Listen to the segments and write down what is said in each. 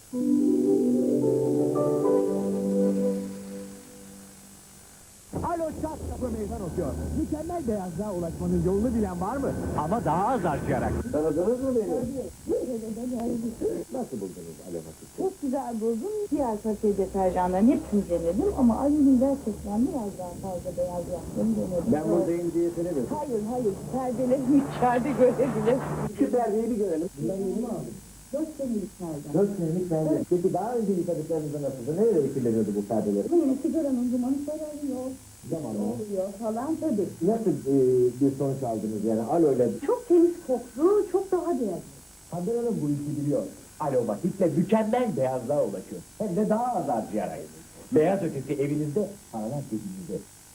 Alo, çat kapı meydan okuyor. Mükemmel beyazlığa ulaşmanın yolunu bilen var mı? Ama daha az harcayarak. Tanıdınız mı beni? Nasıl buldunuz Alomatik? Çok güzel buldum. Diğer paket deterjanların hepsini denedim ama Ali'nin gerçekten biraz daha fazla beyaz yaptığını denedim. Ben buradayım diye denemedim. Hayır, perdeleri içeride görebilir. Şu perdeyi bir görelim. Ben yeni mi aldım? 4 senelik perde. 4 senelik perde. Peki daha önce yıkadıklarınızda nasıldı? Nereye kirleniyordu bu perdeleri? Yine sigaranın dumanı sararıyor. Zamanla. Oluyor falan tabii. Nasıl bir sonuç aldınız yani alo ile? Çok temiz koktu, çok daha beyaz. Haber Hanım bu işi biliyor. Alomatikle mükemmel beyazlığa ulaşıyor. Hem de daha az harcayarak. Beyaz ötesi evinizde, paralar cebinizde.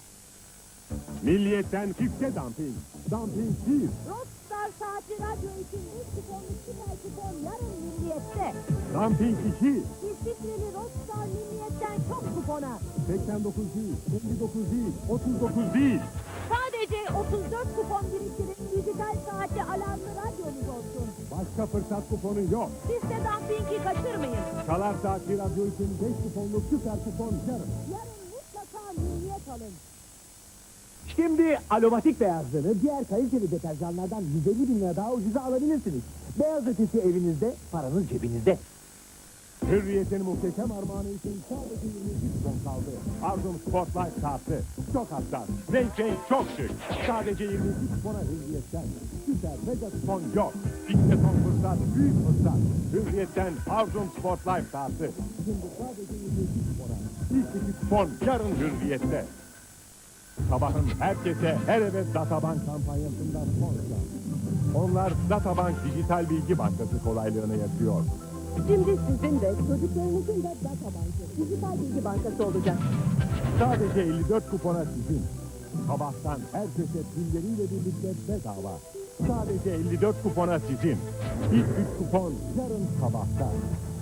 Milliyetten çifte dumping. Dumping 1. Rockstar Saatli Radyo için 3 kuponluk süper kupon yarın Milliyet'te. Dumping 2. İstikreli Rockstar Milliyet'ten çok kupona. 89 değil, 59 değil, 39 değil. Sadece 34 kupon biriktirin, dijital saatli alarmlı radyonuz olsun. Başka fırsat kuponu yok. Siz de Dumping'i kaçırmayın. Çalar Saatli Radyo için 5 kuponluk süper kupon yarın. Yarın mutlaka Milliyet alın. Şimdi aromatik beyazlığını diğer kaliteli deterjanlardan 150 bin lira daha ucuza alabilirsiniz. Beyaz ötesi evinizde, paranız cebinizde. Hürriyet'in muhteşem armağanı için sadece 22 kupon kaldı. Arzum Spotlight kartı. Çok hassas, renk çok şık. Sadece 22 kupona Hürriyet'ten. Süper mega kupon yok. İşte son fırsat, büyük fırsat. Hürriyet'ten Arzum Spotlight kartı. Şimdi sadece 22 kupona. İlk 2 kupon yarın Hürriyet'te. Sabahın herkese her eve Databank kampanyasından sonra. Onlar Databank Dijital Bilgi Bankası kolaylığını yapıyor. Şimdi sizin de çocuklarınızın da Databank'ı, dijital bilgi bankası olacak. Sadece 54 kupona sizin. Sabahtan herkese pilleriyle birlikte bedava. Sadece 54 kupona sizin. İlk 3 kupon yarın sabahta.